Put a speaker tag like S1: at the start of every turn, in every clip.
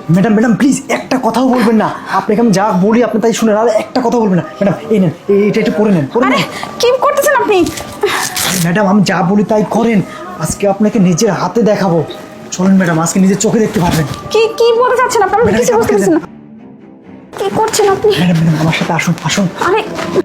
S1: Madam madam please একটা কথাও বলবেন না, আপনাকে আমি যা বলি আপনি তাই শুনেন, আর একটা কথা বলবেন না। ম্যাডাম এই নেন, এটা একটু পরে নেন, পরে
S2: আরে
S1: নেন।
S2: কি করতেছেন আপনি?
S1: ম্যাডাম আমি যা বলি তাই করেন, আজকে আপনাকে নিজের হাতে দেখাবো। চলেন ম্যাডাম, আজকে নিজের চোখে দেখতে পারবেন।
S2: কি কি বলতে চাচ্ছেন আপনি? আমি
S1: ম্যাডাম,
S2: কিছু বুঝতে পারছি না। কি করছেন আপনি?
S1: ম্যাডাম ম্যাডাম আমার সাথে আসুন আসুন।
S2: আরে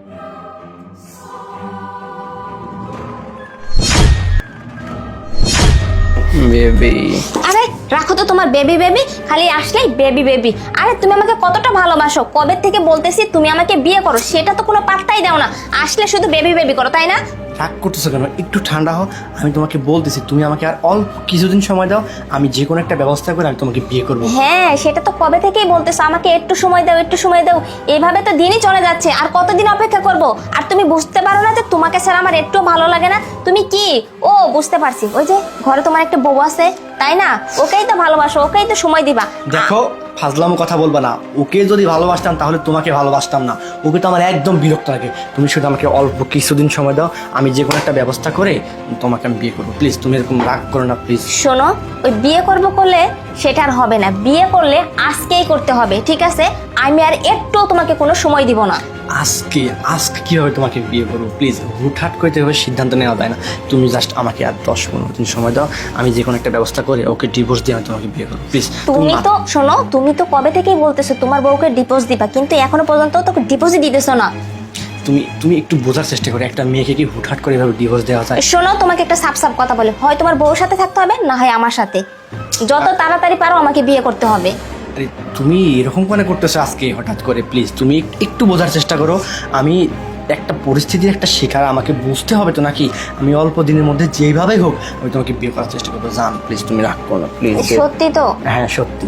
S3: বেবি,
S4: আরে রাখো তো তোমার বেবি বেবি, খালি আসলেই বেবি বেবি। আরে তুমি আমাকে কতটা ভালোবাসো, কবে থেকে বলতেছি তুমি আমাকে বিয়ে করো, সেটা তো কোনো পাত্তাই দাও না, আসলে শুধু বেবি বেবি করো, তাই না?
S3: রাগ করতেছো কেন? একটু ঠান্ডা হও। আমি তোমাকে বলতেছি তুমি আমাকে আর অল্প কিছুদিন সময় দাও, আমি যে কোনো একটা ব্যবস্থা করে আমি তোমাকে বিয়ে করবো।
S4: হ্যাঁ সেটা তো কবে থেকেই বলতেছো, আমাকে একটু সময় দাও একটু সময় দাও, এইভাবে তো দিনই চলে যাচ্ছে, আর কতদিন অপেক্ষা করব? আর তুমি বুঝতে পারো না যে তোমাকে ছাড়া আমার একটু ভালো লাগে না? তুমি কি, ও বুঝতে পারছি, ওই যে ঘরে তোমার একটা বউ আছে তাই না, ওকেই তো ভালোবাসো, ওকেই তো সময় দিবা।
S3: দেখো ফাজলাম কথা বলবা না, ওকে যদি ভালোবাসতাম তাহলে তোমাকে ভালোবাসতাম না, ওকে তো আমার একদম বিরক্ত লাগে। তুমি শুধু আমাকে অল্প কিছুদিন সময় দাও, আমি যে কোনো একটা ব্যবস্থা করে তোমাকে আমি বিয়ে করবো। প্লিজ তুমি এরকম রাগ করো না প্লিজ।
S4: শোনো, ওই বিয়ে করব করলে সেটা আর হবে না, বিয়ে করলে আজকেই করতে হবে, ঠিক আছে? আমি আর একটু তোমাকে কোনো সময় দিব না।
S3: আজকে আজকে কিভাবে তোমাকে বিয়ে করবো? প্লিজ হুটহাট করে এভাবে সিদ্ধান্ত নেওয়া যায় না। তুমি জাস্ট আমাকে আর 10-15 দিন সময় দাও, আমি যে কোনো একটা ব্যবস্থা করে ওকে ডিভোর্স দিয়ে আমি তোমাকে বিয়ে করবো প্লিজ।
S4: তুমি তো শোনো, তুমি তো কবে থেকেই বলতেছো তোমার বউকে ডিভোর্স দিবা, কিন্তু এখনো পর্যন্ত তোকে ডিভোর্সই দিতেছো না।
S3: তুমি তুমি একটু বোঝার চেষ্টা করো, একটা মেয়েকে কি হুটহাট করে এভাবে ডিভোর্স দেওয়া যায়?
S4: শোনো, তোমাকে একটা সাপ সাপ কথা বলে, হয় তোমার বউর সাথে থাকতে হবে, না হয় আমার সাথে, যত তাড়াতাড়ি পারো আমাকে বিয়ে করতে হবে।
S3: আরে তুমি এরকম কেন করতেছো আজকে হঠাৎ করে? প্লিজ তুমি একটু বোঝার চেষ্টা করো, আমি একটা পরিস্থিতির একটা শিকার, আমাকে বুঝতে হবে তো নাকি? আমি অল্প দিনের মধ্যে যেইভাবেই হোক আমি তোমাকে বিয়ে করার চেষ্টা করবো। জান প্লিজ তুমি রাগ করো না প্লিজ।
S4: সত্যি তো?
S3: হ্যাঁ সত্যি।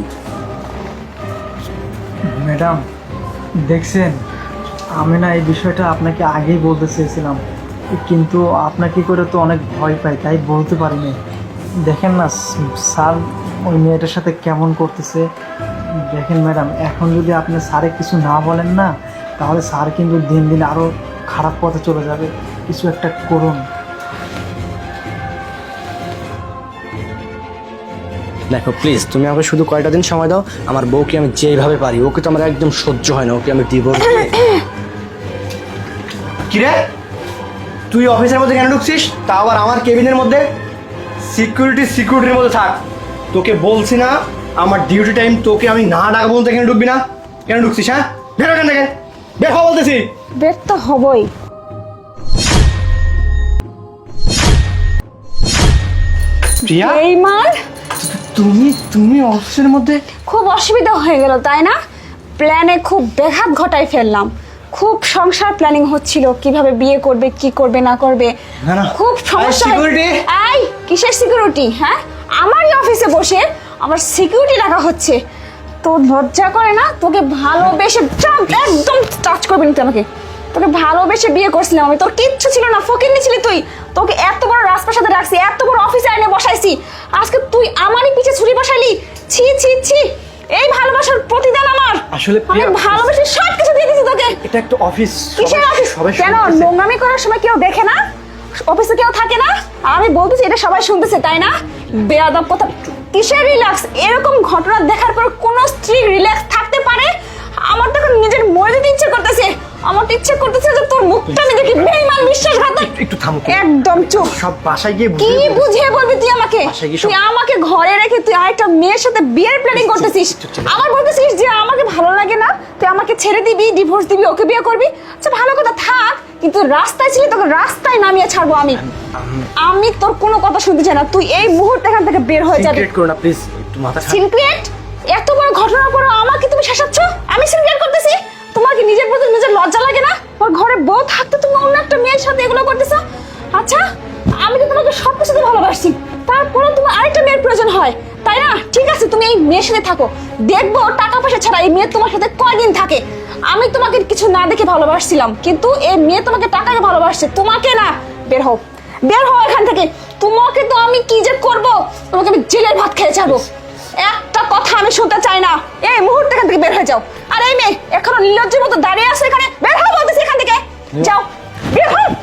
S1: ম্যাডাম দেখছেন, আমি না এই বিষয়টা আপনাকে আগেই বলতে চেয়েছিলাম, কিন্তু আপনাকে করে তো অনেক ভয় পাই, তাই বলতে পারিনি। দেখেন না স্যার ওই মেয়েটার সাথে কেমন করতেছে। দেখেন ম্যাডাম, এখন যদি আপনি স্যারে কিছু না বলেন না, তাহলে স্যার কিন্তু দিন দিন আরও খারাপ পথে চলে যাবে। কিছু একটা করুন।
S3: দেখো প্লিজ তুমি আমাকে শুধু কয়টা দিন সময় দাও, আমার বউকে আমি যেভাবে পারি, ওকে তো আমার একদম সহ্য হয় না, ওকে আমি ডিভোর্স। কিরে তুই অফিসের মধ্যে কেন ঢুকছিস, তা আবার আমার কেবিনের মধ্যে? সিকিউরিটির মধ্যে থাক, তোকে বলছি না আমার ডিউটি টাইম, তোকে আমি না ডাকবো বলতে কেন ঢুকবি না? কেন ঢুকছিস? হ্যাঁ বের কেন দেখেন, বের হওয়া বলতেছি।
S2: বের তো হবই।
S3: প্রিয়া
S2: এই মার
S3: তুমি তুমি অফিসের মধ্যে?
S2: খুব অসুবিধা হয়ে গেল তাই না? প্ল্যানে খুব ব্যাঘাত ঘটাই ফেললাম। খুব সংসার প্ল্যানিং হচ্ছিল, কিভাবে বিয়ে করবে, কি করবে না করবে,
S3: না, না।
S2: খুব সমস্যা।
S3: সিকিউরিটি?
S2: এই কিসের সিকিউরিটি? হ্যাঁ, আমারই অফিসে বসে আমার সিকিউরিটি রাখা হচ্ছে। তোর লজ্জা করে না? তোকে ভালোবেসে একদম টাচ করবি না তুই আমাকে। তোকে ভালোবেসে বিয়ে করছিলাম আমি, তোর কিচ্ছু ছিল না, ফকিন্নি ছিলি তুই। তোকে এত বড় রাজপ্রাসাদে রাখছি, এত বড় অফিসে এনে বসাইছি, আজকে তুই আমারই পিছে ছুরি বসাইলি। ছি ছি ছি, এই ভালোবাসার প্রতিদান আমার।
S3: আসলে
S2: আমি
S3: প্রিয়া,
S2: ভালোবেসে সব কিছু দিয়ে দিছি তোকে।
S3: এটা একটা অফিস।
S2: কিসের অফিস? কেন নোংরামি করার সময় কেউ দেখে না? অফিসে কেউ থাকে না? আর আমি বলতেছি এটা সবাই শুনতেছে তাই না? বেয়াদব কথা। কিসের রিল্যাক্স? এরকম ঘটনা দেখার পর কোন স্ত্রী রিল্যাক্স থাকতে পারে? আমার তো এখন নিজের মরে যেতে ইচ্ছে করতেছে। আমার তো ইচ্ছে করতেছে যে তোর মুখটা আমি দেখি। বেঈমান, বিশ্বাসঘাতক।
S3: একটু থামো।
S2: একদম চুপ।
S3: সব বাসায় গিয়ে
S2: কি বুঝিয়ে বলবি তুই আমাকে?
S3: বাসায় গিয়ে
S2: তুই আমাকে ঘরে রেখে তুই আরেকটা মেয়ের সাথে বিয়ের প্ল্যানিং করতেছিস। আমার বলতেছিস যে আমাকে ভালো লাগে না, তুই আমাকে ছেড়ে দিবি, ডিভোর্স দিবি, ওকে বিয়ে করবি। আচ্ছা ভালো কথা, থাক, কিন্তু রাস্তায় ছিলি তোকে রাস্তায় নামিয়ে ছাড়বো আমি। আমি তোর কোনো কথা শুনতে চাই না, তুই এই মুহূর্তে এখান থেকে বের হয়ে যাবি।
S3: সিক্রেট করো না প্লিজ, একটু মাথা ঠান্ডা।
S2: সিক্রেট? এত বড় ঘটনার পর আমাকে তুমি শাসাচ্ছ? আমি সিক্রেট করতেছি? তোমার কি নিজের প্রতি নিজের লজ্জা লাগে না? তোমার ঘরে বউ থাকতে তুমি অন্য একটা মেয়ের সাথে এগুলো করতেছ? আচ্ছা আমি তো তোমাকে সব কিছুতে ভালোবাসি, তারপরে তোমার আরেকটা মেয়ের প্রয়োজন হয় তাই না? ঠিক আছে, তুমি এই মেয়ের সাথে থাকো, দেখবো টাকা পয়সা ছাড়া এই মেয়ে তোমার সাথে কয়দিন থাকে। আমি তোমাকে কিছু না দেখে ভালোবাসছিলাম, কিন্তু এই মেয়ে তোমাকে টাকাকে ভালোবাসছে, তোমাকে না। বের হও, বের হও এখান থেকে। তোমাকে তো আমি কি যে করবো, তোমাকে আমি জেলের ভাত খেয়ে যাবো। একটা কথা আমি শুনতে চাই না, এই মুহূর্তে এখান থেকে বের হয়ে যাও। আর এই মেয়ে এখনো নির্লজ্জের মতো দাঁড়িয়ে আছে এখানে, বের হও বলতেছি এখান থেকে, যাও বের হও।